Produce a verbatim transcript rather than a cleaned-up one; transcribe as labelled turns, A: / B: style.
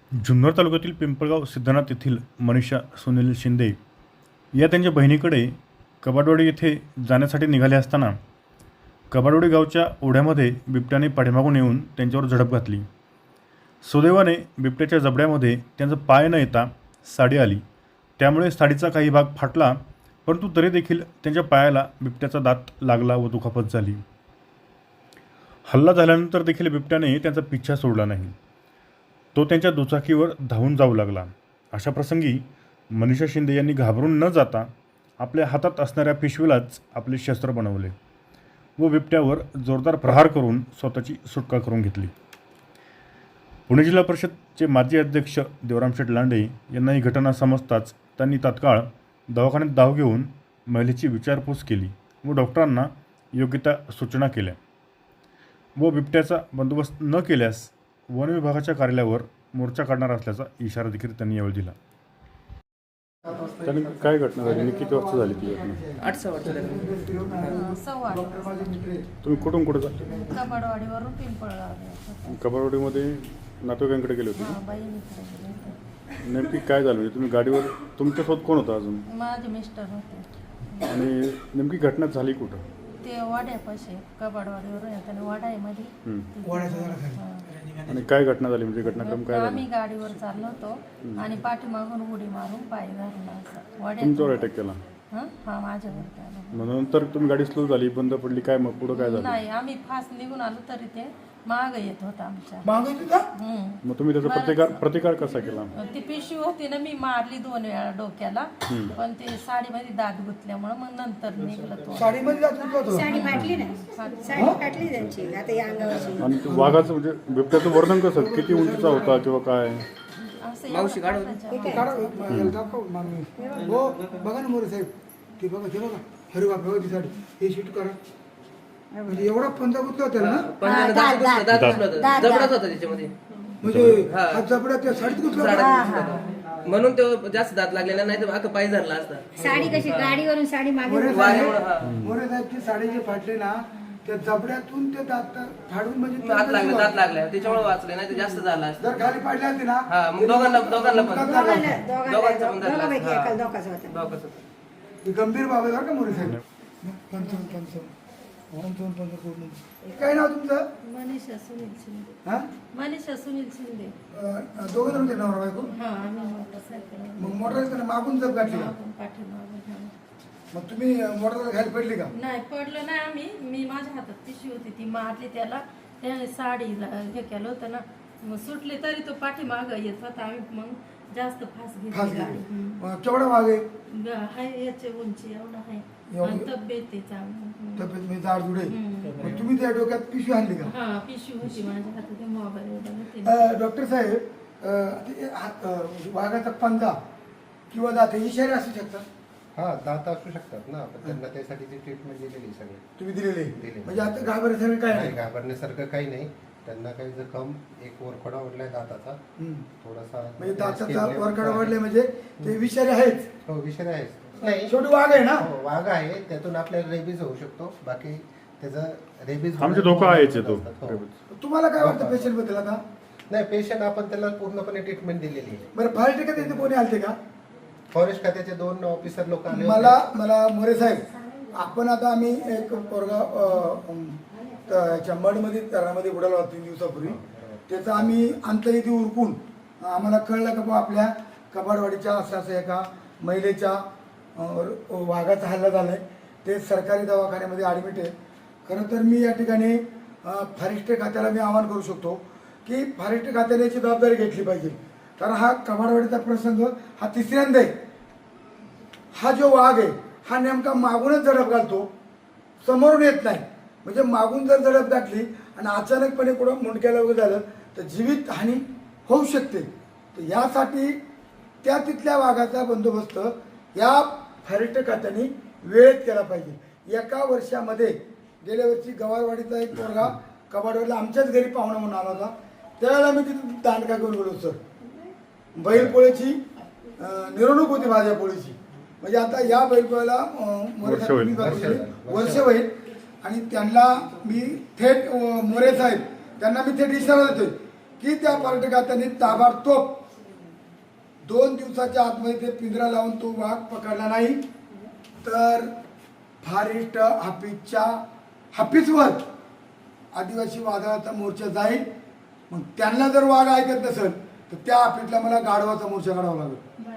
A: जुन्नर तालुक्यातील पिंपळगाव सिद्धनाथ येथील मनीषा सुनील शिंदे या त्यांच्या बहिणीकडे कबाडवाडी येथे जाण्यासाठी निघाले असताना कबाडवाडी गावच्या ओढ्यामध्ये बिबट्याने पाठीमागून येऊन त्यांच्यावर झडप घातली। सुदैवाने बिबट्याच्या जबड्यामध्ये त्यांचा पाय न येता साडी आली, त्यामुळे साडीचा काही भाग फाटला, परंतु तरी देखील त्यांच्या पायाला बिबट्याचा दात लागला व दुखापत झाली। हल्ला झाल्यानंतर देखील बिबट्याने त्यांचा पिच्छा सोडला नाही, तो त्यांच्या दुचाकीवर धावून जाऊ लागला। अशा प्रसंगी मनीषा शिंदे यांनी घाबरून न जाता आपल्या हातात असणाऱ्या पिशवीलाच आपले शस्त्र बनवले व बिबट्यावर जोरदार प्रहार करून स्वतःची सुटका करून घेतली। पुणे जिल्हा परिषदचे माजी अध्यक्ष देवराम शेठ लांडे यांना ही घटना समजताच त्यांनी तात्काळ दवाखान्यात धाव घेऊन महिलेची विचारपूस केली व डॉक्टरांना योग्य त्या सूचना केल्या व बिबट्याचा बंदोबस्त न केल्यास वन विभागाच्या कार्यालयावर मोर्चा काढणार असल्याचा इशारा देखील त्यांनी यावेळी दिला। त्यांनी काय घटना झाली आणि किती वाजता झाली ती घटना?
B: आठ सहा वाजता
C: सव्वा आठ वाजता.
A: तुम्ही कुठून कुठे जाता?
C: कबाडवाडीवरून पिंपळगाव
A: कबाडवाडीमध्ये नातेवाईकांकडे गेले होते?
C: हा, बहिणीकडे गेले होते.
A: नेमकी काय झालं? म्हणजे तुम्ही गाडीवर तुमच्यासोबत कोण होता अजून?
C: माझे मिस्टर होते.
A: आणि नेमकी घटना झाली कुठं?
C: ते वाड्यापाशी कबाडवाडीवरून येताना वाडा आहे मध्ये. हा.
A: आणि काय घटना झाली? म्हणजे घटनाक्रम काय झाला?
C: आम्ही गाडीवर चाललो होतो आणि पाठीमागून उडी मारून पाय धरला असं
A: तुमच्यावर
C: वाड्यात.
A: अटॅक केला?
C: हा हा माझ्यावर केला.
A: मग नंतर तुम्ही गाडी स्लो झाली, बंद पडली, काय मग पुढं काय झालं?
C: नाही, आम्ही फास्ट निघून आलो तरी ते माग येत होता आमच्या. हम्म.
A: मग तुम्ही त्याचा प्रतिकार प्रतिकार कसा केला?
C: ती पिशवी होती ना, मी मारली दोन वेळा डोक्याला, पण ते साडीमध्ये दात गुतल्यामुळे मग नंतर निघलं तो.
D: साडीमध्ये जात होतो.
E: साडी फाटली ना, साडी फाटली त्यांची आता या अंगावरची.
A: आणि ते वाघाचं म्हणजे बिबट्याचं वर्णन कसं? किती उंचीचा होता किंवा काय?
C: असं
B: मावशी
C: एवढं
B: काढून.
C: फाटाच्या
D: काढा, याला दाखव, मामी. हो बघा ना मोरे साहेब, ते बघा ते बघा, अरे बाप रे, ती साडी हे शूट करा. म्हणजे एवढा पंजा गुतला होता ना,
B: पंजाने दात घुसला, दात घुसला होता. जबडाच होता त्याच्यामध्ये.
D: म्हणजे
B: हा.
D: हा जबड्या त्या साडीत गुतला
B: साडा
D: होता.
B: घुसला होता. म्हणून तो जास्त दात लागलेला नाही तर अख्खा पाय धरला असता.
E: साडी कशी गाडीवरून साडी मागे
D: मोरे
B: वाऱ्यामुळं, हा.
D: साहेब, मोरे साहेब ती साडी जे फाटले ना, त्या जबड्यातून ते दात फाडून म्हणजे
B: दात लागले, दात लागले त्याच्यामुळे वाचले, नाही तर जास्त झाला असता.
D: जर खाली पडले असते ना,
B: हा, मग दोघांना दोघांना पण
D: मुक्काम झाला
E: दोघांना
D: असता.
B: दोघांचा पण धरला
E: दोघांपैकी
B: असता.
E: एकाला धोकाच होता.
B: दोघांचं होतं.
D: ही गंभीर बाब आहे बरं का मोरे साहेब. पंचावन्न पंचावन्न पंचावन्न पंचावन्न. काय नाव तुमचं?
C: मनीषा सुनील शिंदे.
D: हा
C: मनीषा सुनील शिंदे.
D: अं, दोघं जण होते नवरा बायको.
C: हा, आम्ही मोटरसायकल
D: मग मोटरसायकल मागून जप घातली का?
C: पाठीमागून. हा.
D: मग तुम्ही मोटरसायकल खाली पडली का?
C: नाही, पडलो नाही आम्ही. मी माझ्या हातात पिशवी होती, ती मारली त्याला. त्याने साडीला हे केलं होतं ना, मग सुटली तरी तो पाठीमाग येत होता. आम्ही मग जास्त फास्ट
D: फास
C: घेतली गाडी.
D: गेली. मग केवढा वाघ आहे?
C: ग- हाय याचे उंची एवढा आहे
D: एवढी?
C: आणि तब्येत आहे चांगली.
D: तब्येत मी जाड जुडे.
C: हम्म.
D: मग तुम्ही त्या डोक्यात पिशवी आणली का?
C: हा, पिशवी होती माझ्या हातात, मोबाईल होते.
D: अं, डॉक्टर साहेब, अं, ते हात- अं, वाघाचा पंजा किंवा दात हे इशारे असू शकतात.
F: हा दात असू शकतात ना, पण त्यांना त्यासाठीची ट्रीटमेंट दिलेली सगळी.
D: तुम्ही दिलेले
F: दिलेली.
D: म्हणजे आता घाबरण्यासारखं काय
F: नाही
D: नाही.
F: घाबरण्यासारखं काही नाही. त्यांना काही जखम, एक वरखडा ओढलाय दाताचा
D: हम्म.
F: थोडासा.
D: म्हणजे दाताचा वरकडा वाढले म्हणजे ते विषारी आहेच.
F: हो विषय आहे. नाही
D: शेवटी वाघ आहे ना.
F: हो, वाघ आहे, त्यातून आपल्याला रेबीज होऊ शकतो. बाकी त्याचं रेबीज
A: आमचे धोका आहेच आहे तो.
F: हो.
D: तुम्हाला काय वाटतं पेशंट बद्दल आता?
F: नाही पेशंट आपण त्याला पूर्णपणे ट्रीटमेंट दिलेली आहे.
D: बरं, फायर टिकट इथे कोणी आलते का?
F: फॉरेस्ट खात्याचे दोन ऑफिसर लोक आले होते.
D: मला मला मोरे साहेब, आपण आता आम्ही एक पोरगा याच्या मडमध्ये तरामध्ये उडाला होता तीन दिवसापूर्वी. त्याचं आम्ही अंतर इथे उरकून आम्हाला कळलं का बा आपल्या कबाडवाडीच्या असं असं एका महिलेच्या अं, वाघाचा हल्ला झाला आहे. ते सरकारी दवाखान्यामध्ये ॲडमिट आहे. खरं तर मी या ठिकाणी अं, फॉरेस्ट खात्याला मी आवाहन करू शकतो की फॉरेस्ट खात्याने याची जबाबदारी घेतली पाहिजे. कारण हा कबाडवाडीचा प्रसंग हा तिसऱ्यांदा आहे. हा जो वाघ आहे हा नेमका मागूनच झडप घालतो, समोरून येत नाही. म्हणजे मागून जर झडप घातली आणि अचानकपणे कुठं मुंडक्याला वगैरे झालं तर जीवित हानी होऊ शकते. तर यासाठी त्या तिथल्या वाघाचा बंदोबस्त या फॉरेस्ट खात्याने वेळेत केला पाहिजे. एका वर्षामध्ये गेल्या वर्षी गवारवाडीचा एक पोरगा कबाडवाडीला आमच्याच घरी पाहुणा म्हणून आला होता. त्यावेळेला मी तिथे दांडका घेऊन गेलो सर. बैलपोळीची अं, मिरवणूक होती भाज्या पोळीची. म्हणजे आता या बैलपोळ्याला
A: वर्ष होईल.
D: वर्ष होईल आणि त्यांना मी थेट अं, मोरे साहेब त्यांना मी थेट इशारा देतोय की त्या पर्यटकांनी ताबडतोब दोन दिवसाच्या आतमध्ये ते पिंजरा लावून तो वाघ पकडला नाही तर फॉरेस्ट हाफिसच्या हाफिसवर आदिवासी वादळाचा मोर्चा जाईल. मग त्यांना जर वाघ ऐकत नसेल तर त्या हाफिसला मला गाढवाचा मोर्चा काढावा लागेल.